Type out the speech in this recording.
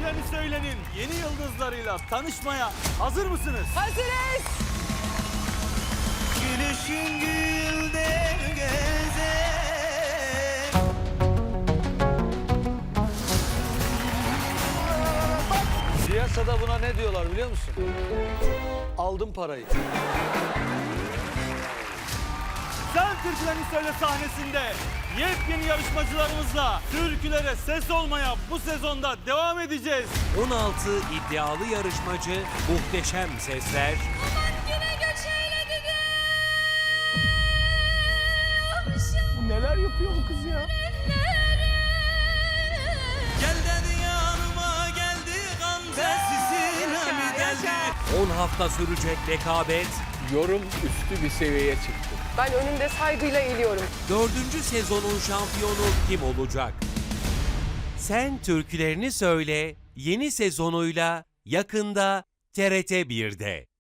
Türkülerini Söylenin yeni yıldızlarıyla tanışmaya hazır mısınız? Hazırız. Gülüşün gülde gezer. Piyasada buna ne diyorlar biliyor musun? Aldım parayı. Sen Türkülerini Söyle sahnesinde yepyeni yarışmacılarımızla türkülere ses olmaya bu sezonda devam edeceğiz. 16 iddialı yarışmacı, muhteşem sesler, Yine göç eyledi Neler yapıyor bu kız ya? Gel dedi yanıma geldi Gamze sisine mi geldi? 10 hafta sürecek rekabet, Yorum üstü bir seviyeye çıktı. Ben önümde saygıyla eğiliyorum. 4. sezonun şampiyonu kim olacak? Sen Türkülerini Söyle yeni sezonuyla yakında TRT 1'de.